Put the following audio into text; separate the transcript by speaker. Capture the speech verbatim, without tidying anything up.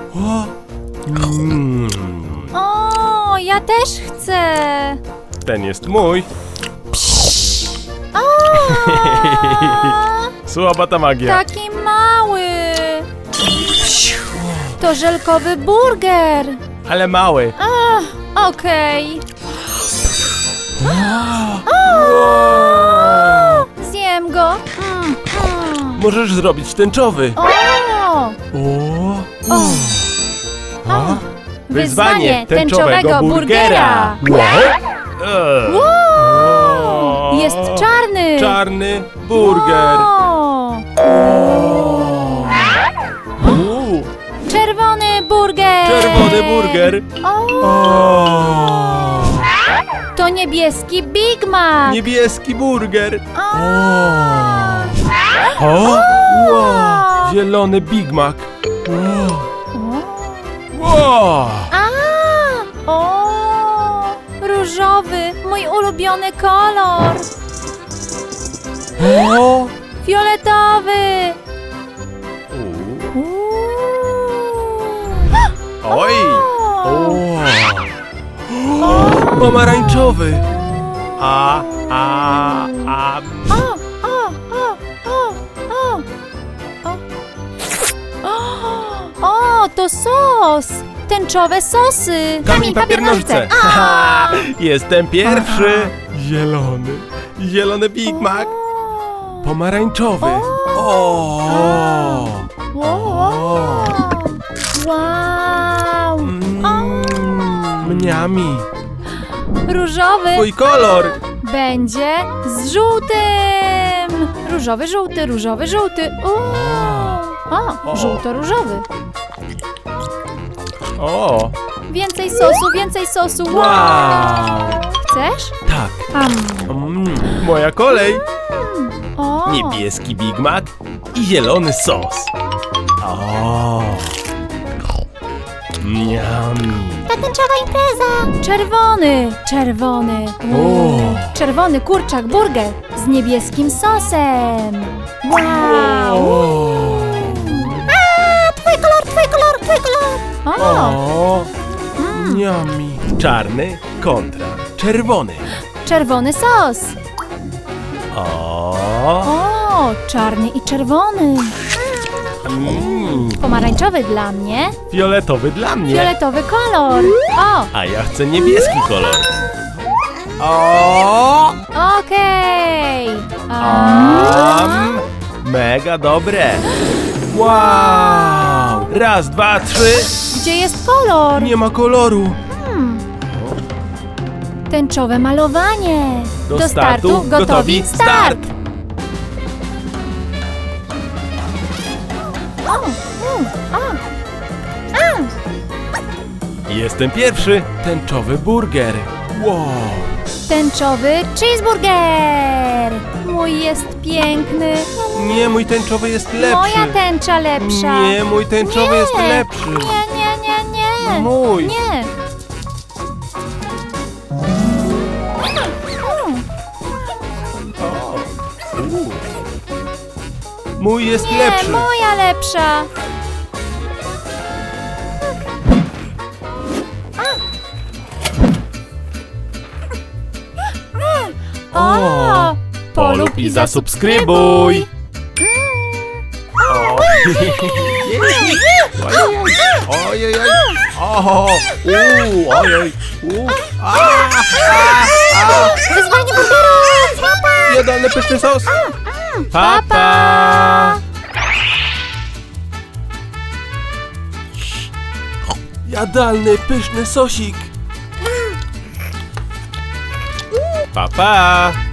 Speaker 1: O, mm.
Speaker 2: O, ja też chcę.
Speaker 1: Ten jest mój.
Speaker 2: O,
Speaker 1: Słaba ta magia.
Speaker 2: taki mały. To żelkowy burger.
Speaker 1: Ale mały.
Speaker 2: Ach, okej. Zjem go. Mm, mm.
Speaker 1: Możesz zrobić tęczowy.
Speaker 2: O,
Speaker 1: O.
Speaker 2: o.
Speaker 1: A?
Speaker 2: Wyzwanie tęczowego burgera.
Speaker 1: Eee.
Speaker 2: Wow, jest czarny.
Speaker 1: Czarny burger.
Speaker 2: Wow.
Speaker 1: Uuu,
Speaker 2: Czerwony burger.
Speaker 1: czerwony burger.
Speaker 2: O,
Speaker 1: O.
Speaker 2: to niebieski Big Mac.
Speaker 1: Niebieski burger.
Speaker 2: O.
Speaker 1: O. Wow. Zielony Big Mac. Wow. Wow.
Speaker 2: A, o, różowy, mój ulubiony kolor.
Speaker 1: O.
Speaker 2: Fioletowy.
Speaker 1: U.
Speaker 2: Uuu.
Speaker 1: Oj.
Speaker 2: O.
Speaker 1: O. Pomarańczowy. A, a, a.
Speaker 2: O, o, o, o, o, o. O, to sos. Tęczowe sosy.
Speaker 1: Kamień, papier, nożyce. Haha, jestem pierwszy. Zielony. Zielony Big Mac. Pomarańczowy. O.
Speaker 2: Wow. Wow.
Speaker 1: Mm, Mniami.
Speaker 2: Różowy
Speaker 1: Twój kolor.
Speaker 2: będzie z żółtym. Różowy, żółty, różowy, żółty. O,
Speaker 1: O.
Speaker 2: żółto-różowy.
Speaker 1: O.
Speaker 2: Więcej sosu, więcej sosu. Wow.
Speaker 1: Wow.
Speaker 2: Chcesz?
Speaker 1: Tak.
Speaker 2: Am.
Speaker 1: Mm, moja kolej.
Speaker 2: O.
Speaker 1: Niebieski Big Mac i zielony sos. O. Mniami.
Speaker 2: Ta tęczowa impreza. Czerwony, czerwony.
Speaker 1: O.
Speaker 2: Czerwony kurczak burger z niebieskim sosem. Wow.
Speaker 1: O.
Speaker 2: Twój kolor, twój kolor, twój kolor. O.
Speaker 1: O. Mniami. Czarny kontra czerwony.
Speaker 2: Czerwony sos.
Speaker 1: O.
Speaker 2: O, czarny i czerwony.
Speaker 1: Mm.
Speaker 2: Pomarańczowy dla mnie.
Speaker 1: Fioletowy dla mnie.
Speaker 2: Fioletowy kolor. O,
Speaker 1: A ja chcę niebieski kolor. O.
Speaker 2: okej.
Speaker 1: Am. Mega dobre. Wow. Raz, dwa, trzy.
Speaker 2: Gdzie jest kolor?
Speaker 1: Nie ma koloru.
Speaker 2: Tęczowe malowanie.
Speaker 1: Do startu, gotowi, start.
Speaker 2: O, u, o. A.
Speaker 1: Jestem pierwszy. Tęczowy burger. Wow.
Speaker 2: Tęczowy cheeseburger. Mój jest piękny.
Speaker 1: Nie, mój tęczowy jest lepszy.
Speaker 2: Moja tęcza lepsza.
Speaker 1: Nie, mój tęczowy
Speaker 2: Nie.
Speaker 1: jest lepszy.
Speaker 2: Nie, nie, nie, nie.
Speaker 1: Mój.
Speaker 2: Nie.
Speaker 1: U. Mój jest
Speaker 2: Nie,
Speaker 1: lepszy.
Speaker 2: moja lepsza. O,
Speaker 1: Polub i zasubskrybuj. O. Ojej, ojej. Oho. Uuu, ojej. Uuu. A, a, a.
Speaker 2: Wyzwanie burgerów. Papa.
Speaker 1: Jadalny pyszny sos.
Speaker 2: Pa, pa.
Speaker 1: Jadalny pyszny sosik. Pa, pa.